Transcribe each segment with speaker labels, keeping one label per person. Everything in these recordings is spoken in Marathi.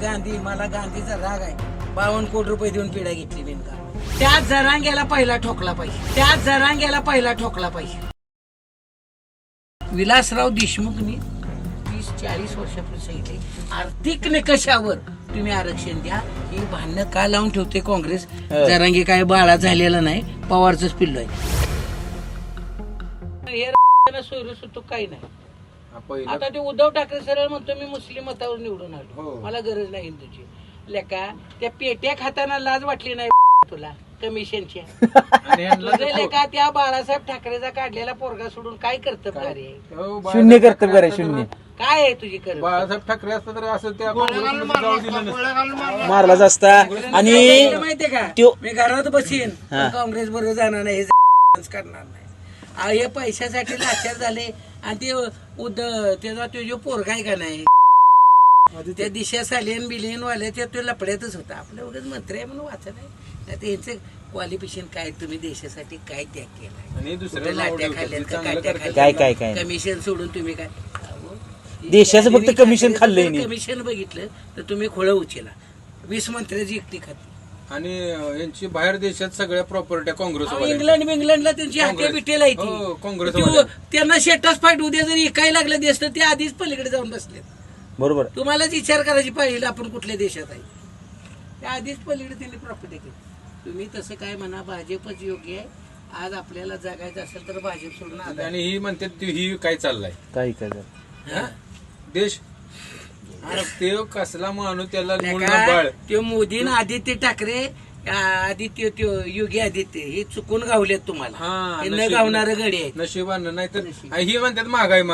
Speaker 1: गांधी मला गांधीचा राग आहे 52 कोटी रुपये देऊन पिढ्या घेतली बिनका त्या जरांग्याला पहिला ठोकला पाहिजे त्या जरांग्याला पहिला ठोकला पाहिजे विलासराव देशमुखनी 30-40 वर्षापूर्वी सांगितले आर्थिक निकषावर तुम्ही आरक्षण द्या ही भांडणं का लावून ठेवते काँग्रेस जरांगे काय बाळा झालेला नाही पवारच पिल्लो आहे सोयरू काही नाही आता ते उद्धव ठाकरे सरळ म्हणतो मी मुस्लिम मतावर निवडून आलो मला गरज नाही हिंदूची लेका त्या पेट्या खाताना लाज वाटली नाही तुला कमिशनच्या लेका त्या बाळासाहेब ठाकरेचा काढलेला पोरगा सोडून काय कर्तव्य
Speaker 2: शून्य कर्तव्य आहे शून्य
Speaker 1: काय आहे तुझी कर्तव्य
Speaker 3: बाळासाहेब ठाकरे असतं तर असं त्या
Speaker 2: मारला असता आणि
Speaker 1: माहितीये का मी घरात बसीन काँग्रेस बरोबर जाणार नाही हे करणार नाही हे पैशासाठी लाचार झाले आणि ते त्याचा तो जो पोरगा आहे का नाही त्या दिशा सालियन बिलियन वाले ते लपड्यातच होता आपल्या वगैरे मंत्री आहे म्हणून वाचत आहे त्यांचं क्वालिफिकेशन काय तुम्ही देशासाठी काय त्याग केलाय लाट्या खाल्ल्या
Speaker 2: काय
Speaker 1: कमिशन सोडून तुम्ही काय
Speaker 2: देशाचं फक्त कमिशन खाल्लंय
Speaker 1: कमिशन बघितलं तर तुम्ही खोळं उचला 20 मंत्र्याची एकटी खाती
Speaker 3: आणि यांची बाहेर देशात सगळ्या प्रॉपर्ट्या काँग्रेस
Speaker 1: इंग्लंडला त्यांची हाके बिटेल आहे
Speaker 3: काँग्रेस
Speaker 1: त्यांना शेटाच फाईट उद्या जरी काय लागलं देश तर ते आधीच पलीकडे जाऊन बसले
Speaker 2: बरोबर
Speaker 1: तुम्हालाच विचार करायची पाहिजे आपण कुठल्या देशात आहे त्या आधीच पलीकडे त्यांनी प्रॉपर्टी केली तुम्ही तसं काय म्हणा भाजपच योग्य आहे आज आपल्याला जगायचं असेल तर भाजप सोडून
Speaker 3: आणि ही म्हणते ही काय चाललाय
Speaker 2: काय
Speaker 3: देश ते कसला माणूस त्याला
Speaker 1: ते मोदी आदित्य ठाकरे आदित्य योगी आदित्य हे चुकून गावलेत तुम्हाला न गावणारं गडी आहे
Speaker 3: नशिबानं नाही तर ही म्हणतात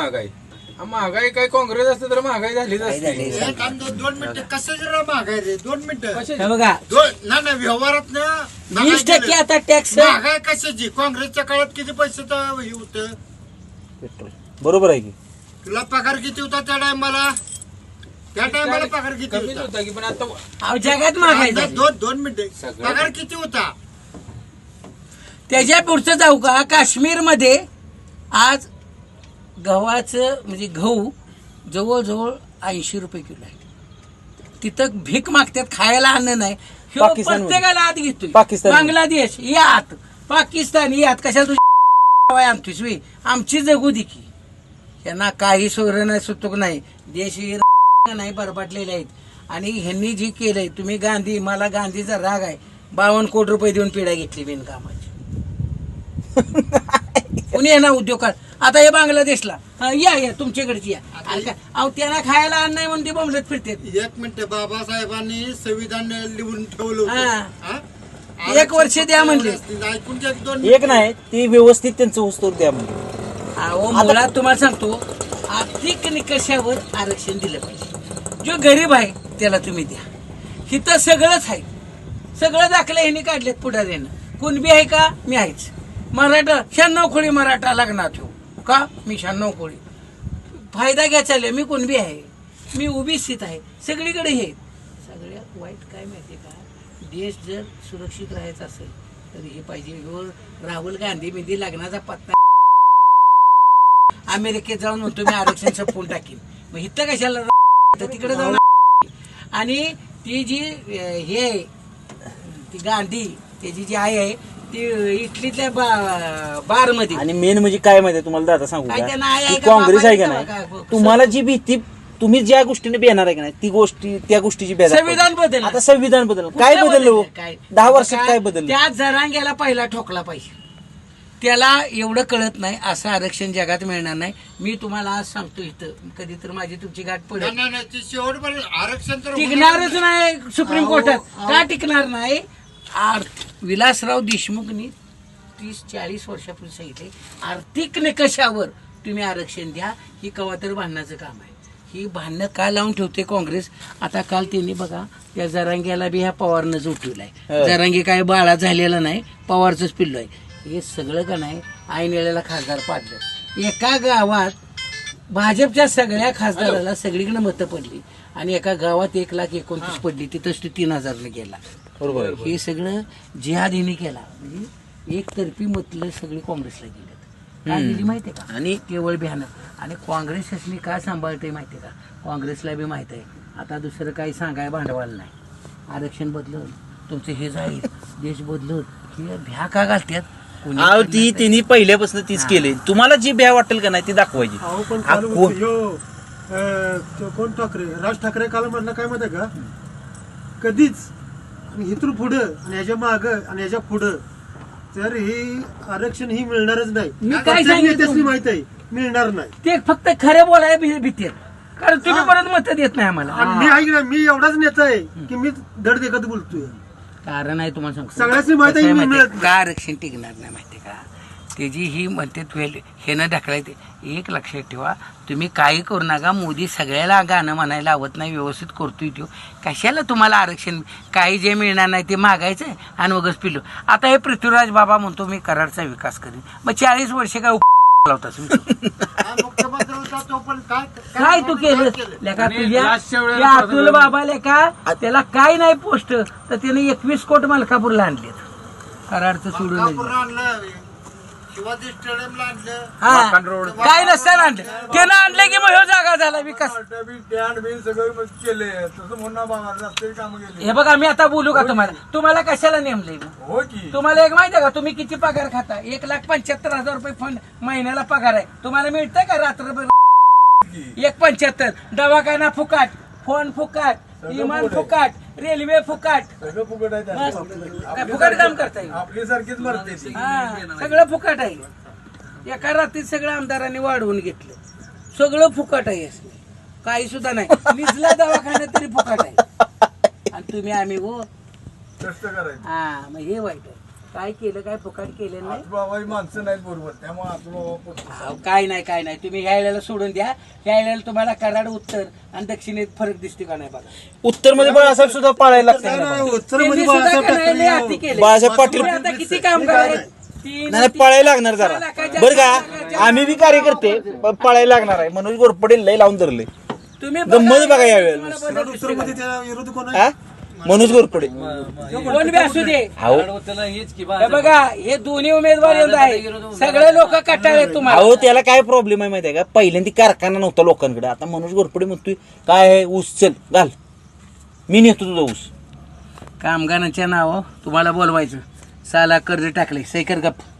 Speaker 3: महागाई काय काँग्रेस असतं तर महागाई झालीच असते
Speaker 4: 2 मिनिटं कसं जरा महागाई रे 2 मिनिटं
Speaker 1: बघा
Speaker 4: ना व्यवहारात
Speaker 1: 20% आता टॅक्स
Speaker 4: महागाई कशाची काँग्रेसच्या काळात किती पैसे हे होतं
Speaker 2: पेट्रोल बरोबर आहे की
Speaker 4: तुला पगार किती होता त्या टायमाला पगार किती
Speaker 3: होता की पण आता
Speaker 1: जगात महागाई
Speaker 4: 2 मिनिटं पगार किती होता
Speaker 1: त्याच्या पुढचं जाऊ का काश्मीर मध्ये आज गव्हाचं म्हणजे गहू जवळजवळ 80 रुपये किलो आहे तिथं भीक मागतात खायला अन्न नाही प्रत्येकाला आत घेतोय बांगलादेश यात पाकिस्तान यात कशाला तुझी आमचीच वे आमची जगू दिकी यांना काही सोयरं नाही सुतूक नाही देश नाही बरबाटलेले आहेत आणि ह्यांनी जी केलंय तुम्ही गांधी मला गांधीचा राग आहे 52 कोटी रुपये देऊन पिढ्या घेतली बिनकामाची कुणी ना उद्योगात आता हे बांगलादेशला या तुमच्याकडची या अहो त्यांना खायला अन्न नाही म्हणून ते बोंबलत फिरते
Speaker 4: 1 मिनिट बाबासाहेबांनी संविधान लिहून ठेवलं
Speaker 1: 1 वर्ष द्या म्हणले
Speaker 4: ऐकून
Speaker 2: एक नाही ती व्यवस्थित त्यांचं वस्तू द्या म्हणजे
Speaker 1: अहो मला तुम्हाला सांगतो आर्थिक निकषावर आरक्षण दिलं पाहिजे जो गरीब आहे त्याला तुम्ही द्या हिथं सगळंच आहे सगळं दाखलं ह्यांनी काढलेत पुढाऱ्यानं कुणबी आहे का मी आहेच मराठा 96 खोळी मराठा लग्नात ठेवू का मी 96 खोळी फायदा घ्या चालले मी कुणबी आहे मी ओबीसीत आहे सगळीकडे हे सगळ्यात वाईट काय माहितीये का देश जर सुरक्षित राहायचा असेल तर हे पाहिजे राहुल गांधी मध्ये लग्नाचा पत्ता अमेरिकेत जाऊन म्हणतो मी आरक्षण संपवून टाकीन मग इथं कशाला तिकडे जाऊन आणि ती जी हे ती गांधी त्याची जी आई आहे ती इटलीतल्या बार मध्ये
Speaker 2: आणि मेन म्हणजे काय माहिती तुम्हाला दादा सांगू
Speaker 1: काय
Speaker 2: का
Speaker 1: त्यांना आहे
Speaker 2: की
Speaker 1: का
Speaker 2: काँग्रेस आहे का
Speaker 1: बाबा
Speaker 2: नाही
Speaker 1: काय?
Speaker 2: तुम्हाला जी भीती तुम्ही ज्या गोष्टीने बेणार आहे का नाही ती गोष्टी त्या गोष्टीची बेजार
Speaker 1: संविधान बदल
Speaker 2: आता संविधान बदल काय बदललं
Speaker 1: काय
Speaker 2: 10 वर्षात काय बदललं
Speaker 1: त्या जरांग्याला पहिला ठोकला पाहिजे त्याला एवढं कळत नाही असं आरक्षण जगात मिळणार नाही मी तुम्हाला आज सांगतो इथं कधी तर माझी तुमची गाठ पडेल
Speaker 4: शेवटपर्यंत आरक्षण तर
Speaker 1: टिकणारच नाही सुप्रीम कोर्टात का टिकणार नाही विलासराव देशमुखनी 30-40 वर्षापूर्वी सांगितले आर्थिक निकषावर तुम्ही आरक्षण द्या ही कवा तर भांडणाचं काम आहे ही भांडणं का लावून ठेवते काँग्रेस आता काल त्यांनी बघा त्या जरांग्याला बी ह्या पवारनंच उठवलाय जरांगे काय बाळा झालेला नाही पवारचंच पिल्लो आहे हे सगळं का नाही ऐन वेळेला खासदार पाडलं एका गावात भाजपच्या सगळ्या खासदाराला सगळीकडे मतं पडली आणि एका गावात 1,29,000 पडली तिथंच 3,000 गेला
Speaker 2: बरोबर
Speaker 1: हे सगळं जिहादीने केला म्हणजे एकतर्फी मतलं सगळी काँग्रेसला गेलेत काय दिली माहितीये का आणि केवळ भ्यानं आणि काँग्रेसनी काय सांभाळते माहितीये का काँग्रेसला बी माहित आहे आता दुसरं काही सांगाय भांडवल नाही. आरक्षण बदलत तुमचं हे जाईल, देश बदलत, हे भ्या का घालतात कोणी
Speaker 2: अहो
Speaker 1: करणार
Speaker 2: ती
Speaker 1: नाही.
Speaker 2: त्यांनी पहिल्यापासून तीच केली. तुम्हाला जी भ्या वाटेल का नाही ती दाखवायची.
Speaker 5: अहो पण
Speaker 2: हा,
Speaker 5: काल
Speaker 2: कोण?
Speaker 5: तो कोण ठाकरे राज ठाकरे काल म्हणलं काय माहिती का कधीच आणि इथून पुढं आणि ह्याच्या माग आणि ह्याच्या पुढं तर हे आरक्षण ही मिळणारच नाही.
Speaker 1: मी काय
Speaker 5: प्रत्येक
Speaker 1: सांगितलं?
Speaker 5: नेत्यासनी माहित आहे मिळणार नाही.
Speaker 1: ते फक्त खरे बोलाय भीती कारण तुम्ही परत मत देत नाही आम्हाला.
Speaker 5: आणि मी ऐक ना मी एवढाच नेता आहे की मी धड देखत बोलतोय.
Speaker 1: कारण आहे तुम्हाला सांगतो
Speaker 5: सगळ्यासनी माहित आहे,
Speaker 1: कसं
Speaker 5: मी
Speaker 1: माहिती आहे?
Speaker 5: मिळत
Speaker 1: का आरक्षण टिकणार नाही माहितीये का त्याची ही म्हणते हे न ढकलायचे. एक लक्षात ठेवा तुम्ही काही करू नका. मोदी सगळ्याला गाणं म्हणायला लावत नाही, व्यवस्थित करतोय तो. कशाला तुम्हाला आरक्षण काही जे मिळणार नाही ते मागायचं आणि वगैरे पिलो. आता हे पृथ्वीराज बाबा म्हणतो मी कराडचा विकास करीन. मग 40 वर्षे काय लावतास
Speaker 4: हा मुख्यमंत्री होता तो पण
Speaker 1: काय तू केलं लेका
Speaker 3: आणि
Speaker 1: तुझ्या
Speaker 3: लास्टच्या वेळेला
Speaker 1: त्या अतुल बाबा लेका त्याला काय नाही पोस्ट तर त्याने 21 कोट मलकापूरला आणलेत. कराडचं सोडून
Speaker 4: मलकापूरला आणलं शिवाजी स्टेडियमला आणलं.
Speaker 1: हा काय नसताना आणलं त्यानं आणलं की मग ह्यो जागा झाला विकास. हे बघा मी आता बोलू का तुम्हाला कशाला नेमलंय तुम्हाला एक माहिती आहे का तुम्ही किती पगार खाता 1,75,000 रुपये फंड महिन्याला पगार आहे. तुम्हाला मिळतंय का रात्रभर 1,75,000 दवाखाना फुकाट, फोन फुकाट, विमान फुकाट, रेल्वे फुकाट, काय फुकाट काम करता येईल. हा सगळं फुकाट आहे. एका रात्रीत सगळं आमदारांनी वाढवून घेतलं. सगळं फुकाट आहे असं काही सुद्धा नाही. निजला दवाखाना तरी फुकाट आहे आणि तुम्ही आम्ही हो हा मग हे वाईट आहे. काय केलं काय फुकाट केलं नाही.
Speaker 5: माणसं नाहीत बरोबर त्यामुळे
Speaker 1: अहो, काय नाही तुम्ही ह्या वेळेला सोडून द्या. ह्या वेळेला तुम्हाला कराड उत्तर आणि दक्षिणेत फरक दिसते का नाही बघा.
Speaker 2: उत्तर मध्ये बाळासाहेब सुद्धा पाळायला लागतं ना बा.
Speaker 1: त्यांनी सुद्धा का नाही लय अति केलंय.
Speaker 2: बाळासाहेब पाटील
Speaker 1: तुम्ही आता किती काम करायचं
Speaker 2: नाही पाळायला लागणार जरा बरं का. आम्ही बी कार्यकर्ते पण पाळायला लागणार आहे. मनोज गोरपडे लय लावून धरले.
Speaker 1: तुम्ही
Speaker 2: गंमत बघा यावेळेला.
Speaker 5: त्याला विरोध कोण आहे?
Speaker 2: हा मनोज गोरपडे
Speaker 1: कोण बी असू दे.
Speaker 2: अहो
Speaker 1: हे बघा हे दोन्ही उमेदवार येत आहे. सगळे लोक कटाळे तुम्हाला.
Speaker 2: अहो त्याला काय प्रॉब्लेम आहे माहिती आहे का पहिल्यांदा कारखाना नव्हता लोकांकडे. आता मनोज गोरपडे म्हणतोय काय आहे ऊस चल घाल मी नेतो तुझा ऊस.
Speaker 1: कामगारांच्या नाव तुम्हाला बोलवायचं. साला कर्ज टाकले सैकर गप